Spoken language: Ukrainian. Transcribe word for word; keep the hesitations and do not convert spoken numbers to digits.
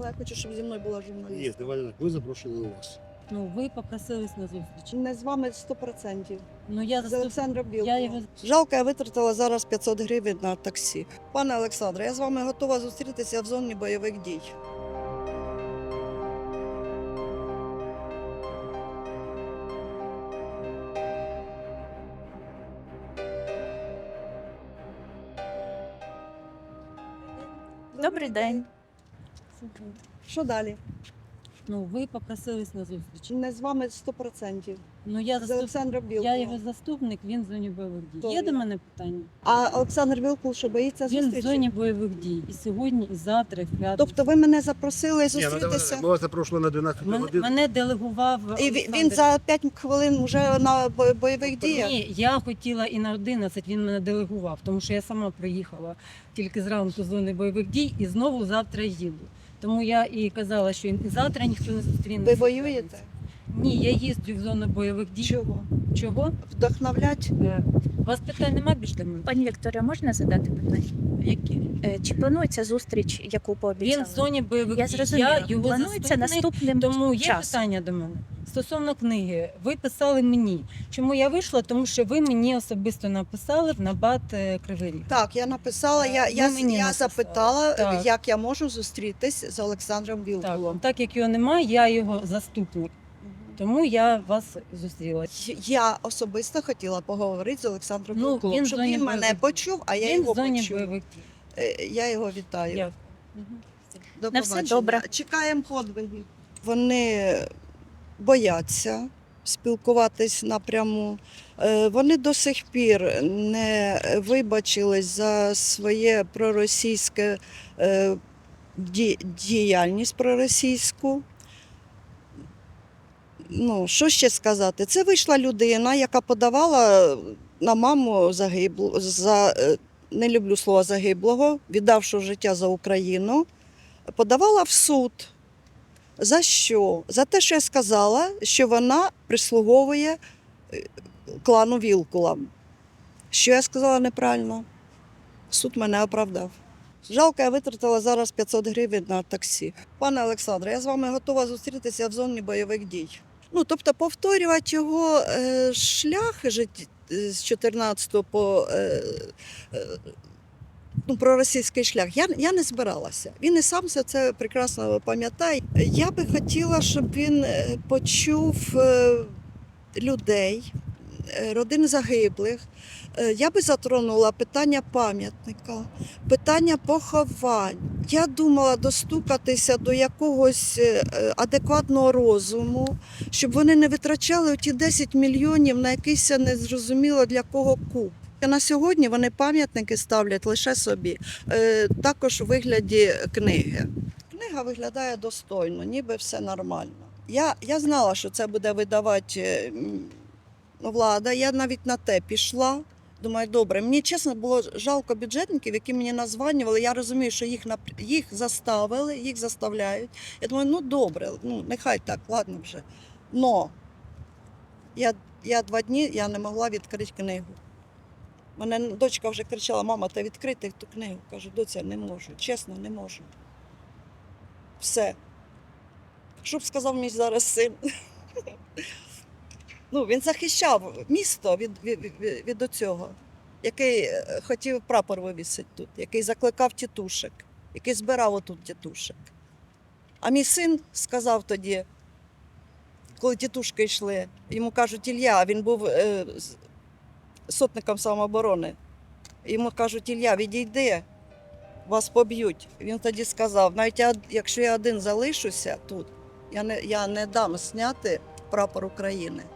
але я хочу, щоб зі мною була журналістка. Ні, давайте так, ви запрошені у вас. Ну, ви попросились на зустріч. Не з вами сто відсотків. Ну, я З заступ... Олександром я Білковим. його... Жалко, я витратила зараз п'ятсот гривень на таксі. Пане Олександре, я з вами готова зустрітися в зоні бойових дій. Добрий день. Що далі? Ну, ви попросились на зустріч. Не з вами сто відсотків. Ну, я З заступ... Олександром я Білковим. його заступник, він в зоні бойових дій. Хто Є він? до мене питання? А Олександр Вілкул, що боїться Він в зустрічі? зоні бойових дій. І сьогодні, і завтра, і в п'ятницю. Тобто ви мене запросили Ні, ну давайте зустрітися? так, ми вас запрошували на дванадцяту Мен... годину. Мене делегував І він- він Олександр. за п'ять хвилин вже на бо- бойових діях? Ні, я хотіла і на одинадцять, він мене делегував, тому що я сама приїхала тільки зранку з зони бойових дій і знову завтра їду. Тому я і казала, що і завтра ніхто не зустріне. Ви воюєте? Ні, я їздю в зону бойових дій. Чого? Чого? Вдохновлять? Е, У вас питань немає більш до мене? Пані Вікторія, можна задати питання? Які? Е, Чи планується зустріч, яку пообіцяли? Він в зоні бойових Я дій. зрозуміла. Я його Планується заступник, наступним тому є часом. питання до мене. Стосовно книги, ви писали мені. Чому я вийшла? Тому що ви мені особисто написали в набат е, Кривий Ріг. Так, я написала, я, Ви я, мені я написали. запитала, Так. як я можу зустрітись з Олександром Так, Вілкулом. так як його немає, я його заступник. Тому я вас зустріла. Я особисто хотіла поговорити з Олександром Ну, Вілкулом, він в щоб зоні він мене бойових дій. почув, а я Він його в зоні почув. бойових дій. Е, Я його вітаю. Я. До На все побачення. добре. Чекаємо подвигів. Вони бояться спілкуватись напряму. Е, Вони до сих пір не вибачились за своє проросійське е, ді- діяльність проросійську. Ну, що ще сказати? Це вийшла людина, яка подавала на маму загиблу, за, е, не люблю слова загиблого, віддавши життя за Україну, подавала в суд. За що? За те, що я сказала, що вона прислуговує е, клану Вілкула. Що я сказала неправильно? Суд мене оправдав. Жалко, я витратила зараз п'ятсот гривень на таксі. Пане Олександре, я з вами готова зустрітися в зоні бойових дій. Ну, тобто повторювати його е, шлях житті з чотирнадцятого по е, е, ну, проросійський шлях, я, я не збиралася. Він і сам все це прекрасно пам'ятає. Я би хотіла, щоб він е, почув е, людей, е, родин загиблих. Е, Я би затронула питання пам'ятника, питання поховань. Я думала достукатися до якогось е, адекватного розуму, щоб вони не витрачали ті десять мільйонів на якийсь незрозуміло для кого куб. На сьогодні вони пам'ятники ставлять лише собі, е, також у вигляді книги. Книга виглядає достойно, ніби все нормально. Я, я знала, що це буде видавати е, м, влада, я навіть на те пішла. Думаю, добре, мені чесно було жалко бюджетників, які мені названювали. Я розумію, що їх, нап- їх заставили, їх заставляють. Я думаю, ну добре, ну нехай так, ладно вже. Но я, я два дні я не могла відкрити книгу. Мене дочка вже кричала: мама, та відкрити ту книгу. Кажу, доця, не можу, чесно, не можу. Все. Що б сказав мій зараз син? Ну, він захищав місто від, від, від, від оцього, який е, хотів прапор вивісити тут, який закликав тітушек, який збирав отут тітушек. А мій син сказав тоді, коли тітушки йшли, йому кажуть, Ілля, він був е, з- сотником самооборони. Йому кажуть, Ілля, відійди, вас поб'ють. Він тоді сказав, навіть я, якщо я один залишуся тут, я не, я не дам зняти прапор України.